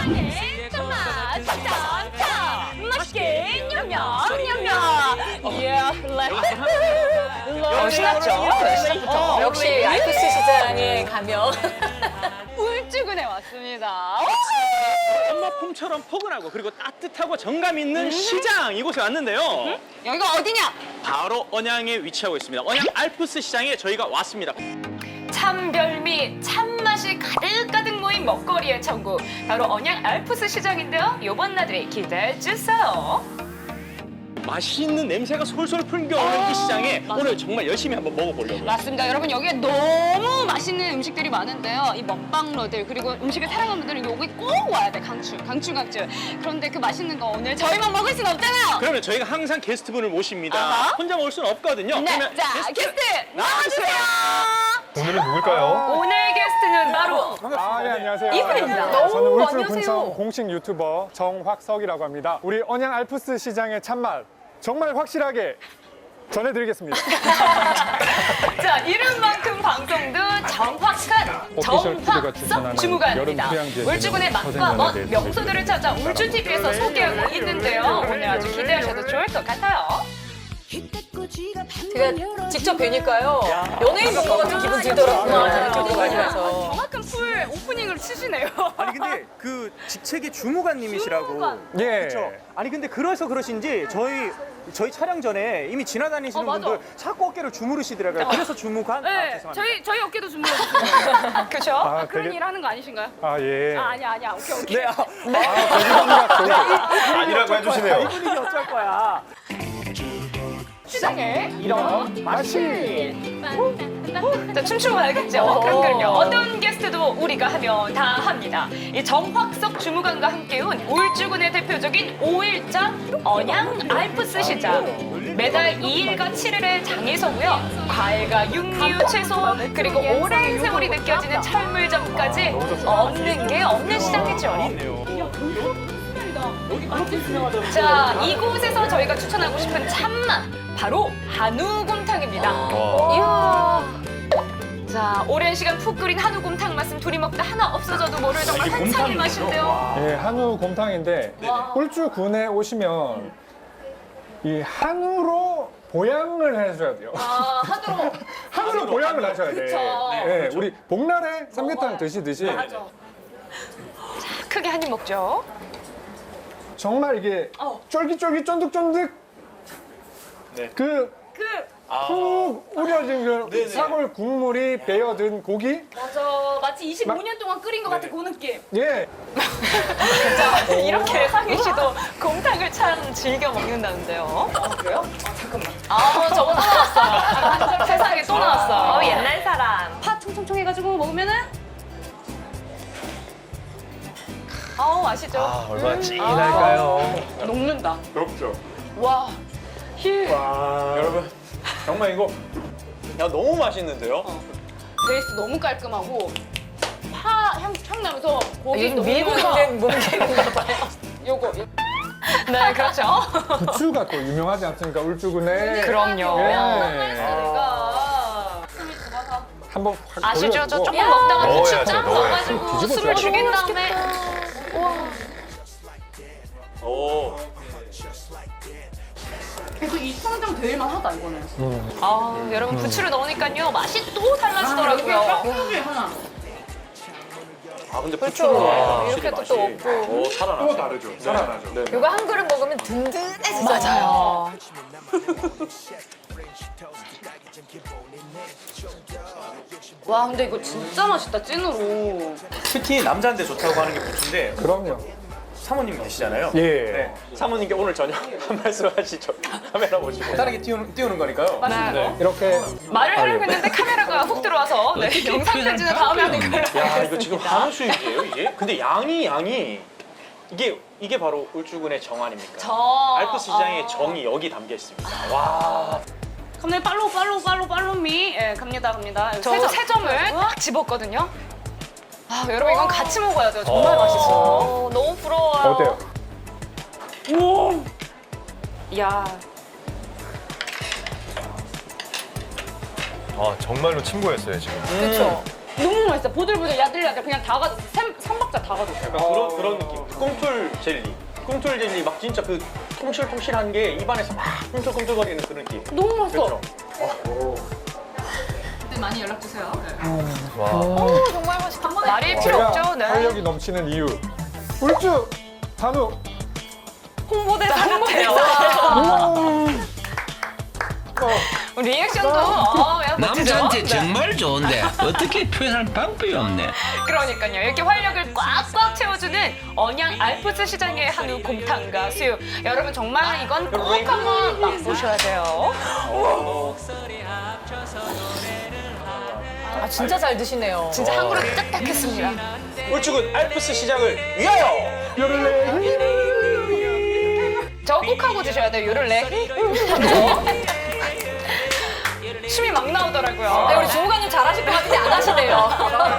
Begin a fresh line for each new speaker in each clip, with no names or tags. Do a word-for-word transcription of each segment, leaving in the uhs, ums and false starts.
맛있게 정말 짱짱 맛있게 냠냠 냠냠 이야 렛츠
신났죠?
어,
역시 알프스 시장에 가면
울주군에 왔습니다.
엄마 폼처럼 포근하고 그리고 따뜻하고 정감 있는 시장 이곳에 왔는데요.
여기가 어디냐?
바로 언양에 위치하고 있습니다. 언양 알프스 시장에 저희가 왔습니다.
참별미, 참맛이 가득가득 모인 먹거리의 천국. 바로 언양 알프스 시장인데요. 요번 나들이 기대해주세요.
맛있는 냄새가 솔솔 풍겨오는 이 시장에 오늘 정말 열심히 한번 먹어보려고요.
맞습니다. 여러분 여기에 너무 맛있는 음식들이 많은데요. 이 먹방러들 그리고 음식을 사랑하는 분들은 여기 꼭 와야 돼. 강추, 강추, 강추. 그런데 그 맛있는 거 오늘 저희만 먹을 순 없잖아요.
그러면 저희가 항상 게스트분을 모십니다.
아하.
혼자 먹을 수는 없거든요.
네,
그러면
자 게스트 나와주세요.
오늘은 누굴까요?
오늘 게스트는 바로
아, 네, 안녕하세요.
이분입니다.
저는
오,
울주
안녕하세요.
군청 공식 유튜버 정확석이라고 합니다. 우리 언양 알프스 시장의 참맛 정말 확실하게 전해드리겠습니다.
자, 이름만큼 방송도 정확한
오피셜 티비가
정확석
추천하는
주무관입니다.
여름 휴양지에
울주군의 맛과
서생면에
멋,
대해서
명소들을 찾아 울주티비에서 소개하고 있는데요. 오늘 아주 기대하셔도 좋을 것 같아요. 제가 직접 뵈니까요. 연예인 본 것 같은 기분 들더라고요. 유튜브 많이 봐서.
정확한 풀 오프닝을 치시네요.
아니 근데 그 직책이 주무관님이시라고.
주무관.
예.
그렇죠. 아니 근데 그래서 그러신지 저희 저희 촬영 전에 이미 지나다니시는
어, 맞아.
분들 자꾸 어깨를 주무르시더라고요. 그래서 주무관. 아,
네,
죄송합니다.
저희 저희 어깨도 주무르셨어요.
그렇죠?
아,
그런
되게-
일 하는 거 아니신가요?
아, 예.
아, 아니야, 아니야. 오케이, 오케이.
네. 아,
아니라고 해주시네요.
이분이 어쩔 거야.
시장에 이런
맛이.
자, 춤추고 가야겠죠. 그럼 그럼요. 어떤 게스트도 우리가 하면 다 합니다. 이 정확석 주무관과 함께 온 울주군의 대표적인 오일장 언양 알프스 시장. 매달 이 일과 칠 일의 장에서고요. 과일과 육류, 채소, 그리고 오랜 세월이 느껴지는 철물점까지 없는 게 없는 시장이죠. 자, 이곳에서 저희가 추천하고 싶은 참맛, 바로 한우곰탕입니다. 이야. 자, 오랜 시간 푹 끓인 한우곰탕 말씀 둘이 먹다 하나 없어져도 모를 정말 한상의 맛인데요.
예, 한우 곰탕인데 울주군에 오시면 이 한우로 보양을 해줘야 돼요.
아, 한우로.
한우로 보양을 하셔야 돼.
그쵸.
예, 우리 복날에 삼계탕 드시듯이
크게 한 입 먹죠.
정말 이게
어.
쫄깃쫄깃 쫀득쫀득
네.
그
그,
푹 우려진 그 사골 국물이 배어든 고기?
맞아. 마치 이십오 년 동안 끓인 것 같은 그 느낌.
예.
자, 이렇게 상희 씨도 곰탕을 참 즐겨 먹는다는데요. 아, 그래요? 아, 잠깐만. 아, 저거 또 나왔어요. 세상에 또 나왔어. 어, 옛날 사람.
파 총총총 해가지고 먹으면은
아우, 아시죠?
아, 얼마나 찐할까요?
녹는다.
그렇죠.
와, 휴.
여러분 정말 이거 야 너무 맛있는데요?
베이스 너무 깔끔하고 파 향 향 나면서 고기 너무
밀고
좋아.
있는 몸개인가 봐요.
요거
네, 그렇죠.
부추가 또 유명하지 않습니까? 울주군에.
그럼요.
예.
내가
한번 확
아시죠? 저
돌려주고.
조금 먹다가 부추
넣어야죠,
쫙
넣어야죠.
넣어가지고
뒤집어
숨을
줘야죠.
죽인 다음에
오.
그래도 이 청장 제일만 하다 이거는.
아, 여러분 부추를 넣으니까요 맛이 또 달라지더라고요.
하나.
아 근데
그렇죠.
부추로 넣으니까
이렇게
확실히
또
맛이
없고.
오, 살아나.
또 다르죠. 살아나죠. 네.
이거 한 그릇 먹으면 든든해지잖아요. 맞아요.
와 근데 이거 진짜 맛있다 찐으로.
특히 남자한테 좋다고 하는 게 부추인데
그럼요.
사모님 계시잖아요.
예.
네.
사모님께 오늘 저녁 한 말씀 하시죠. 카메라 보시고.
다르게 띄우는, 띄우는 거니까요.
네.
이렇게
말을 하려고 했는데 카메라가 훅 들어와서 네, 영상 편지는 다음에 하는 걸로.
야 이거 지금 한우 수육이에요 이게? 근데 양이 양이 이게 이게 바로 울주군의 정 아닙니까?
저
알프스 시장의 정이 여기 담겨 있습니다. 와.
감독님 팔로우 팔로우 팔로우 팔로우미. 예 갑니다 갑니다.
저
세 점.
세 점을 딱 집었거든요. 아, 여러분 이건 같이 먹어야 돼요. 정말 맛있어. 너무 부러워요.
어때요?
오.
야,
아 정말로 친구였어요 지금.
그렇죠.
너무 맛있어. 보들보들 야들야들 그냥 다 가졌어. 삼박자 다 가졌어.
약간 그런 그런 느낌. 꿈틀 젤리. 꿈틀 젤리 막 진짜 그 통실통실한 게 입안에서 막 꿈틀꿈틀거리는 그런 느낌.
너무 맛있어.
그렇죠?
네, 많이 연락 주세요.
오, 정말 맛있다. 한 번에 말일 필요
제가
없죠. 네.
활력이 넘치는 이유. 울주 한우.
홍보대사 같아요. 리액션도 어, 야, 멋지죠?
남자한테
네.
정말 좋은데 어떻게 표현할 방법이 없네.
그러니까요. 이렇게 활력을 꽉꽉 채워주는 언양 알프스 시장의 한우 곰탕과 수육. 여러분 정말 이건 꼭 한번 맛보셔야 돼요.
아 진짜 잘 드시네요.
진짜 한 그릇 딱딱했습니다.
울주군 알프스 시장을 위하여!
저거 꼭 하고 드셔야 돼요. 요를레. 춤이 막 나오더라고요.
네, 우리 주무관님 잘하실 것 같은데 안 하시네요.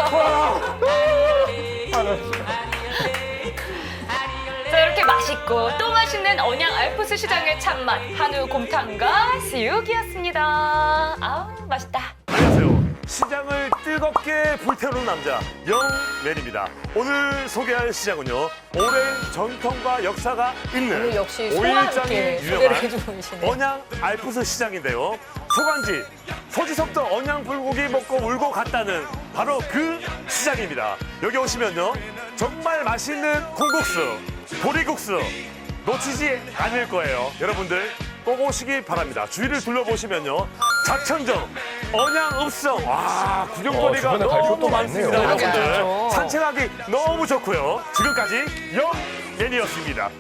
자, 이렇게 맛있고 또 맛있는 언양 알프스 시장의 참맛 한우 곰탕과 수육이었습니다. 아우 맛있다.
안녕하세요. 시장을 뜨겁게 불태우는 남자 영맨입니다. 오늘 소개할 시장은요. 오랜 전통과 역사가 있는
역시
오일장이
소감있게 소개를
유명한
해주고 계시네.
언양 알프스 시장인데요. 소관지 서지석도 언양 불고기 먹고 울고 갔다는 바로 그 시장입니다. 여기 오시면요. 정말 맛있는 콩국수, 보리국수 놓치지 않을 거예요. 여러분들 꼭 오시기 바랍니다. 주위를 둘러보시면요. 작천정, 언양읍성, 와 구경거리가
어, 주변에 갈
너무
곳도
많습니다.
많네요.
여러분들
그렇죠.
산책하기 너무 좋고요. 지금까지 영맨이었습니다.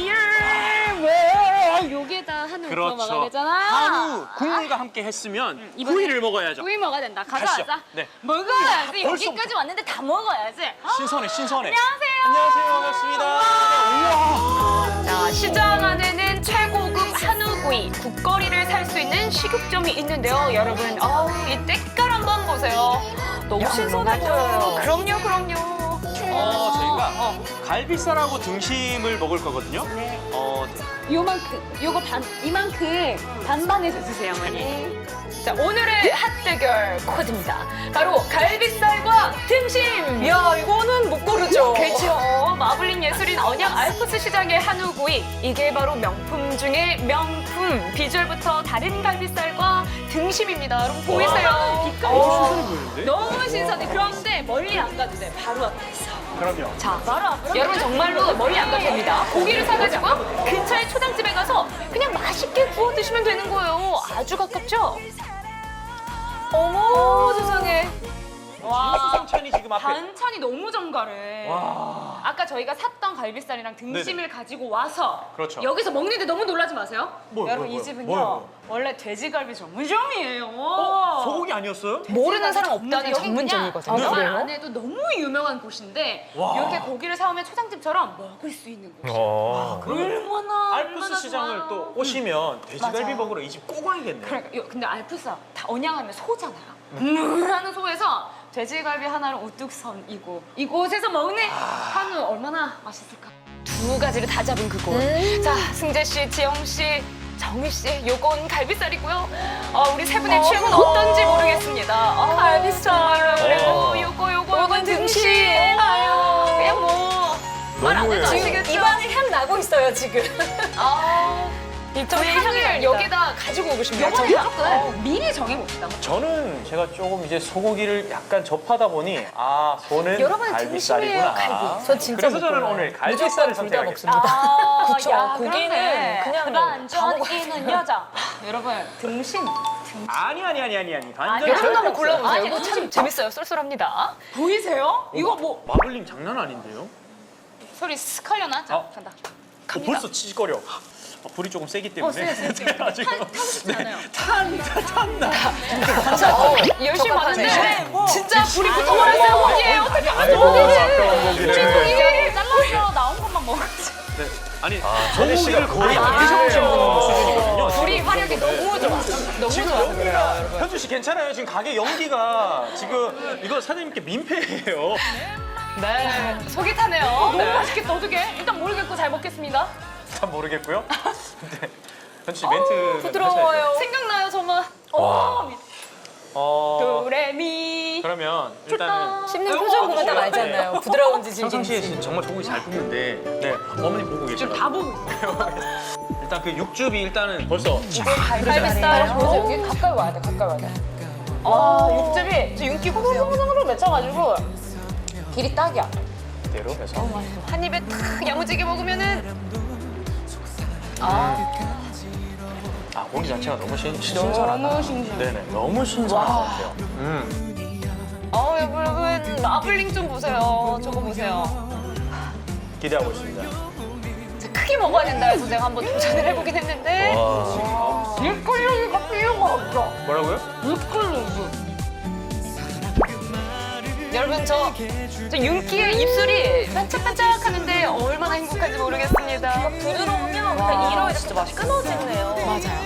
왜? 여기에다 한우 구워 먹어야
그렇죠.
되잖아.
한우 국물과 함께 했으면
이번에
구이를 먹어야죠.
구이 먹어야 된다.
가시죠.
가져와자.
네.
먹어야지.
벌써
여기까지 왔는데 다 먹어야지. 어?
신선해, 신선해.
안녕하세요.
안녕하세요, 반갑습니다.
자, 시장 안에는 최고급 한우구이, 국거리를 살 수 있는 식육점이 있는데요. 여러분, 어우, 이 때깔 한번 보세요. 너무 신선해 보여요. 그럼요, 그럼요.
어, 저희가 갈비살하고 등심을 먹을 거거든요.
네.
어,
요만큼, 요거 반, 이만큼 반반해서 주세요, 어머니.
자, 오늘의 핫대결 코드입니다. 바로 갈비살과 등심.
야 이거는 못 고르죠.
그렇죠. 마블링 예술인 언양 알프스 시장의 한우구이. 이게 바로 명품 중에 명품. 비주얼부터 다른 갈비살과 등심입니다. 여러분 보이세요?
신선해 보이는데?
너무 신선해. 그런데 멀리 안 가도 돼. 바로 앞에 있어.
그럼요.
자, 여러분 정말로 멀리 안 가도 됩니다. 고기를 사가지고 근처의 초장집에 가서 그냥 맛있게 구워 드시면 되는 거예요. 아주 가깝죠?
어머 세상에.
와.
반찬이 지금 앞에.
반찬이 너무 정갈해.
와.
아까 저희가 샀던 갈비살이랑 등심을 가지고 와서
그렇죠.
여기서 먹는데 너무 놀라지 마세요.
뭐요,
여러분
뭐요,
이 집은요
뭐요, 뭐요?
원래 돼지갈비 전문점이에요.
어, 소고기 아니었어요?
모르는 사람 없다는
여기
전문점이거든요.
그냥 말
그래요?
안 해도 너무 유명한 곳인데
와.
이렇게 고기를 사오면 초장집처럼 먹을 수 있는 곳.
어.
얼마나
알프스
얼마나
시장을
좋아.
또 오시면 돼지갈비
맞아.
먹으러 이 집 꼭 와야겠네요.
그러니까 요- 근데 알프스 다 언양하면 소잖아요. 음 하는 소에서 돼지갈비 하나를 우뚝 선이고 이곳에서 먹는 한우 얼마나 맛있을까?
두 가지를 다 잡은 그곳. 자, 승재 씨, 지영 씨, 정희 씨, 요건 갈비살이고요. 어, 우리 세 분의 취향은 어떤지 모르겠습니다. 어, 갈비살 그리고 요거 요거 요건 등심. 아유, 그냥 뭐 말 안 해도
지금
아시겠죠?
입안에 향 나고 있어요 지금.
아, 저희 향을 여기다 가지고 오고 싶네요.
요거는
저희가.
조금 미리 정해봅시다.
저는 제가 조금 이제 소고기를 약간 접하다 보니 아 손은
여러분은
갈비살이구나.
등심이에요, 갈비? 전 진짜
그래서
못
저는
골라요.
오늘 갈비살을
무조건 둘다
선택하겠습니다.
먹습니다.
아,
그쵸.
야,
고기는
그러네.
그냥
반전
다
이는 여자. 여러분 등심
아니 아니 아니 아니 아니 반전
여러분
절대
한번
없어요.
골라보세요.
아니,
이거 참 재밌어요. 쏠쏠합니다.
보이세요? 이거 뭐
마블링 장난 아닌데요?
소리 스컬려나? 자
어.
간다.
어, 벌써 치즈거려. 어, 불이 조금 세기 때문에.
어, 세요, 세요, 세요.
아, 지금
타고 싶지
네.
않아요.
탄다 탄다.
어, 열심히 봤는데 진짜 불이 붙어버렸어요. 고기에 어떻게 하면
아이고
좋은지.
아까운 고기를.
이게 잘라서 나온 것만 먹었지.
네. 아니
전희 씨가
소고기를 거의
거의
안 드셔보신
안
수준이거든요.
불이 화력이 너무 좋아. 너무
지금
좋아.
연기가 현주 씨 괜찮아요. 지금 가게 연기가 지금 이거 사장님께 민폐예요.
네, 속이 타네요.
너무
네.
맛있겠다 어떡해? 일단 모르겠고 잘 먹겠습니다.
잘 모르겠고요. 근데 현주 씨 멘트
부드러워요.
생각나요 정말. 어,
어
도레미.
그러면 씹으면 일단은
씹는 표정 보면 딱 알잖아요. 부드러운지
평상시에
질긴지.
진짜 정말 소고기 잘 굽는데 네 어머니 보고 계시더라고요.
다 보고 있어요.
일단 그 육즙이 일단은 벌써
갈비살. 보세요. 여기 가까이 와야 돼. 가까이 와야 돼. 아, 육즙이 저 윤기 호로로로로 맺혀가지고 길이 딱이야.
그대로 해서
한 입에 탁 야무지게 먹으면은
아 고기 자체가 너무 신, 신선하다.
너무 신기해.
네네 너무 신선한 것 같아요. 음
어 여러분 마블링 좀 보세요. 저거 보세요.
기대하고 있습니다.
크게 먹어야 된다 해서 제가 한번 도전을 해보긴 했는데
와
밀가루가 필요가 없어.
뭐라고요?
여러분 저, 저 윤기의 입술이 반짝반짝하는데 얼마나 행복한지 모르겠습니다. 부드러우면 그냥 이러면 진짜 맛이 끊어지네요. 맞아요.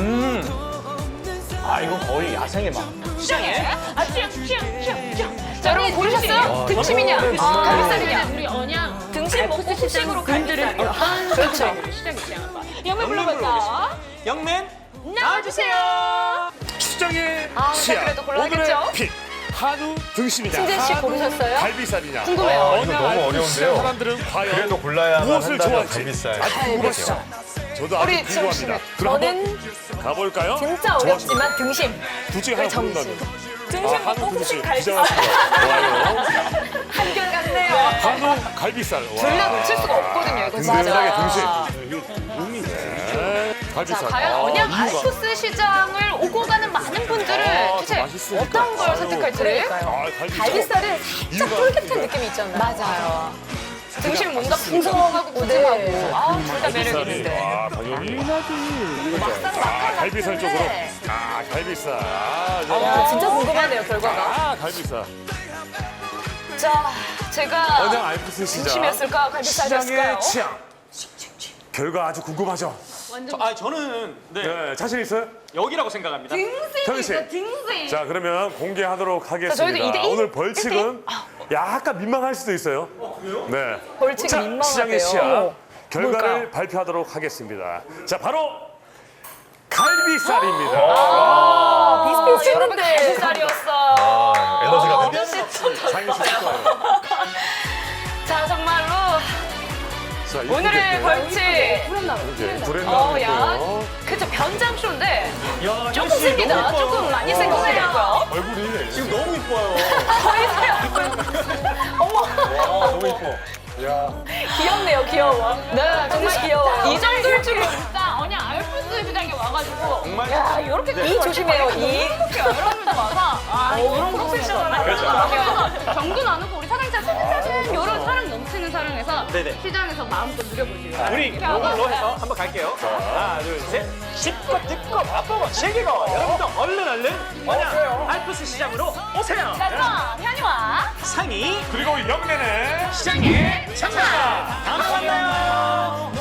음아 이건 거의 야생의 맛.
시장에 아 시장 시장 시장 시장. 자 여러분 고르셨어요? 등심이냐?
아,
갈비살이냐?
우리 언양
등심 먹고 후식으로 갈비살이요.
그렇죠. 시장이 시장한 거. 영매 불러봤다.
영맨
나와주세요.
시장의
아,
치약.
그래도 골라야겠죠?
오늘의 픽 한우 등심이냐?
신재 씨
한우
고르셨어요?
갈비살이냐?
궁금해요.
어,
이거
어느
너무
알프스
어려운데요.
사람들은 과연
그래도 골라야만
무엇을
한다면
좋아할지
갈비살.
아주 궁금하시죠? 저도 아주
우리 지영
궁금합니다.
씨는?
그럼
저는
한번 가볼까요?
진짜 어렵지만 등심.
둘 중에 하나
정신.
고른다면
등심
아, 한우
먹고
등심
후식 갈비살.
기장하십니다. 좋아요.
한결같네요.
한우 갈비살. 와.
둘 다 놓칠 수가 없거든요, 이거 진짜.
든든하게 등심. 네,
자,
갈비살.
과연
아,
언양
이유가.
알프스 시장을 오고 가는 많은 분들은
아,
도대체
맛있으니까.
어떤 걸
아유.
선택할지.
그러니까요.
아, 갈비살.
갈비살은
이유가
살짝 쫄깃한
있어요.
느낌이 있잖아요.
맞아요. 등심 뭔가
맛있으니까.
풍성하고 부드하고
네.
아, 둘 다 매력
갈비살이.
있는데.
와, 당연히.
막상
아,
막하
갈비살 쪽으로.
같은데.
아, 갈비살. 아, 저-
아, 진짜 궁금하네요, 결과가.
아, 갈비살.
자, 제가
언양 알프스 시장.
등심이었을까? 갈비살이었을까요?
시장의 취향. 결과 아주 궁금하죠?
아 저는 네,
네, 자신 있어요?
여기라고 생각합니다.
현희 씨.
등심.
자, 그러면 공개하도록 하겠습니다.
저희도 이 대 일?
오늘 벌칙은 약간 민망할 수도 있어요. 네.
벌칙이
자,
민망하대요.
시장의 시작.
어머,
결과를
뭘까요?
발표하도록 하겠습니다. 자, 바로 갈비살입니다.
아,
여러분
비슷비슷했는데.
갈비살이었어.
아, 에너지가 되
장희 씨 거예요.
자, 정말로
자, 이쁘게
오늘의
또
벌칙.
이렇게
어,
브랜드
야,
있고요.
그쵸, 변장쇼인데
야,
조금
현씨
셉니다.
너무 이뻐요.
조금 많이 센 것 같고요.
얼굴이
지금 너무 이뻐요.
어머,
와 너무 이뻐.
귀엽네요, 귀여워.
네, 정말
귀여워요.
이 정도일 줄은
진짜 언양 알프스 시장에 와가지고
정말
야, 이렇게
이 조심해요, 이.
여러분들 와서 아 이런 프로페셔널한 그래서 경도 나누고 우리 사장님 사진 사진 이런 사랑 넘치는 사랑에서
네네.
시장에서 마음껏 누려보시고
우리 이걸로 해서 한번 갈게요. 하나, 둘, 셋. 씹고 뜯고 맛보고 즐기고 여러분도 얼른 얼른 언양 알프스 시장으로 오세요.
자, 현이와
상이
그리고 영내는
시장에 참가. 다음에 만나요.